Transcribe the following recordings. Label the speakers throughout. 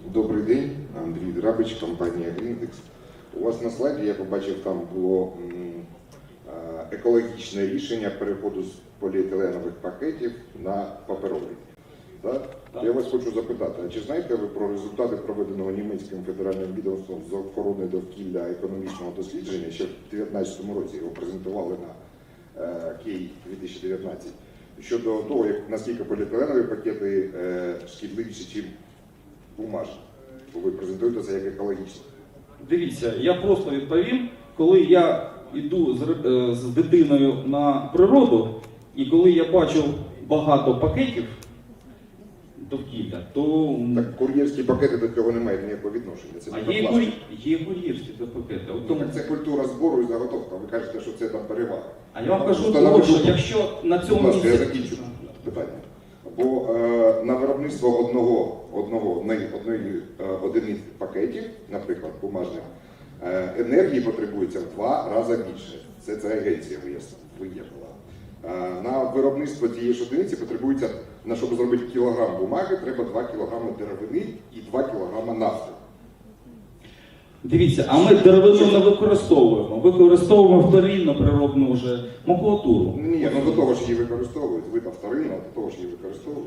Speaker 1: Добрий день, Андрій Драбич, компанія Гріндекс. У вас на слайді, я побачив, там було екологічне рішення переходу з поліетиленових пакетів на паперовий. Так? Я вас хочу запитати, а чи знаєте ви про результати проведеного німецьким федеральним відомством з охорони довкілля економічного дослідження, що в 2019 році його презентували на Київ 2019, щодо того, наскільки поліетиленові пакети шкідливіші, ніж бумажні? Бо ви презентуєте це як екологічно.
Speaker 2: Дивіться, я просто відповім, коли я йду з дитиною на природу, і коли я бачу багато пакетів довкілля, то...
Speaker 1: Так кур'єрські пакети до цього не мають ніякого відношення. Це
Speaker 2: є кур'єрські пакети.
Speaker 1: Тому... Це культура збору і заготовка. Ви кажете, що це там перевага.
Speaker 2: А я вам кажу, тому, що якщо на цьому місці...
Speaker 1: Я закінчу питання. Бо на виробництво одної одиниці пакетів, наприклад, бумажних, енергії потребується в 2 рази більше. Це агенція виявила. На виробництво цієї ж одиниці потребується, щоб зробити кілограм бумаги, треба 2 кілограми деревини і 2 кілограми нафти.
Speaker 2: Дивіться, а ми деревину не використовуємо. Використовуємо вторинно природну вже макулатуру.
Speaker 1: Ні, до того ж її використовують. Ви там вторинно, а до того ж її використовують.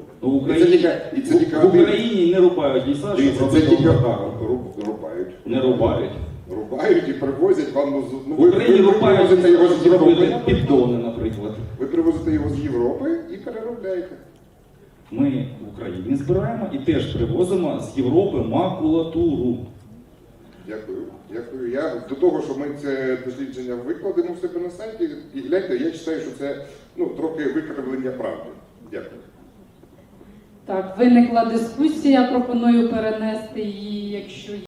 Speaker 2: В Україні не рубають ліса, щоб робити
Speaker 1: рубають.
Speaker 2: Не рубають.
Speaker 1: Рубають і привозять вам...
Speaker 2: В Україні рубають, щоб зробити піддони, наприклад.
Speaker 1: Ви привозите його з Європи і переробляєте.
Speaker 2: Ми в Україні збираємо і теж привозимо з Європи макулатуру.
Speaker 1: Дякую. Дякую. Я до того, що ми це дослідження викладемо в себе на сайті, і гляньте, я вважаю, що це трохи викривлення правди. Дякую.
Speaker 3: Так, виникла дискусія, пропоную перенести її, якщо